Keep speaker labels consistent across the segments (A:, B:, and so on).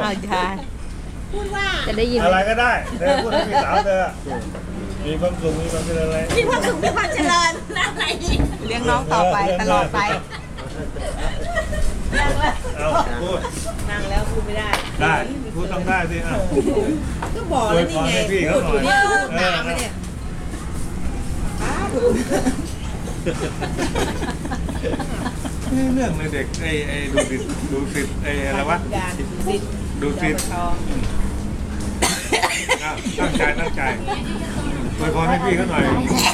A: ใช่
B: พูดว่า
A: จะได้ยิน
C: อะไรก็ได้เธอพูดให้พี่สาวเธอมีความสุขมีความเจริญอะไร
B: มีความสุขมีความเจริญนะอะไรอีก
A: เลี้ยงน้องต่อไปตลอดไป
C: เอาพูด
B: นั่งแล้วพูดไม่ได้
C: ได้พูดต้องได้สิอ่ะ
B: ก็บอก
C: อ
B: แล้ว วย
C: พ
B: นี่
C: ร
B: ไง
C: ให้พี่เขาหน่อย
B: เนี่ย
C: เออ
B: ตามไปเนี่ย
C: เรื่องเลยเด็กไอ้ดูสิไอ้อะไรวะ
B: การดิด
C: ดูสิ
B: ทอง
C: ตั้งใจอวยพรให้พี่เขาหน่อย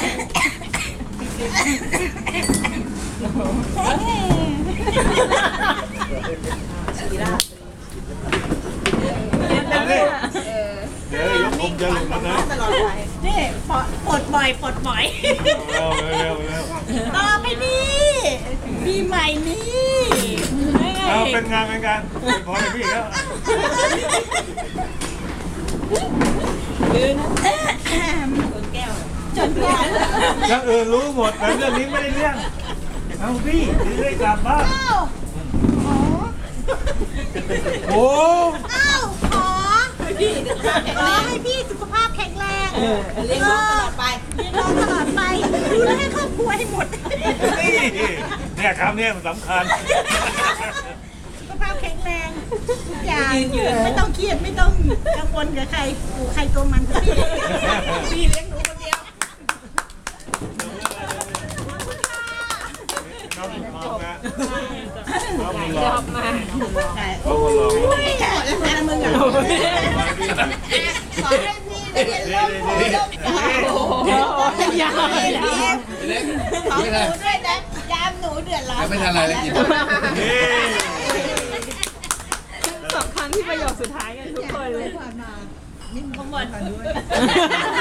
C: เอาดิเดี๋ยวยกผมจะหลุดแล้วนะ
B: ตลอดไปนี่ปลดบ่อยปลดบ่อย
C: เร็ว
B: ต่อไปนี่ปีใหม่นี่ไม่ไง
C: เอาเป็นงานอวยพรให้พี่เขา
B: จนแก้ว
C: อย่างอื่นรู้หมดแต่เรื่องนี้ไม่ได้เรื่องเอาพี่จะได้กลับบ้านโอ้
B: อ้าวขอให้พี่สุขภาพแข็งแรงเลี้ยงน้องตลอดไปเลี้ยงน้องตลอดไปดูแลให้ครอบครัวให้หมด
C: นี่เนี่ยคำนี้มันสำคัญ
B: สุขภาพแข็งแรงทุกอย่างไม่ต้องเครียดไม่ต้องกังวลกับใครกูใครตัวมันพี่พี่เลี้ยงหนูคนเดียว
C: น้องมองนะน้องมีหลอก
A: มา
C: น้องมีหลอก
B: ไม่อยากจะแพ้มึงอ่ะขอให้พี่ได้เรียนรู้
A: ยาว
B: ของหนูด้วยนะยามหนูเดือดร้อน
D: ไม่ทันอะไรเลยกิน
C: นี่
A: สองครั้งที่ประโยคสุดท้ายกันทุกคนเลย
B: ขโมย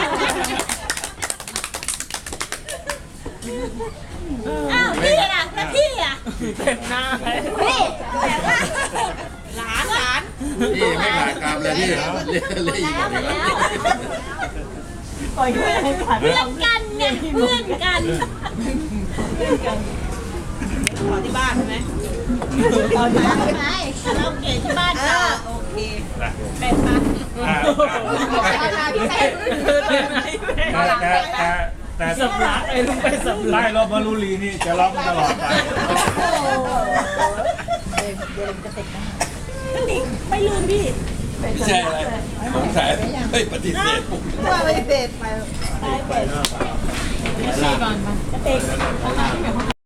B: อ้าวพี่อ่ะแล้วพี่อ่ะ
A: เต็มหน้าเลย
B: พี่แต่ว่าหลาน
D: พี่ไม่ผ่านกรรมเลยพี่เรียกอีกคนนึงแล้ว
B: เพื่อนกันไงเพื่อนกันขอที่บ้านใช่ไหมขอที่บ้านใช่ไหมคาราโอเกะที่บ้านก็โอเคเป็นปะ
C: แต่
A: สำลักไอ้ลุงไปสำลั
C: ไล่
A: ก
C: รอบมารุลีนี่จะร้องตลอดไป
B: ไม่ลืมพี่
D: ไม่ใช่อะไรสงสัยเฮ้ยปฏิเสธ
B: ว่าไม่เสร็จไป
C: ไปหน้าเปล่า
A: ก่อนมา
B: เด็ก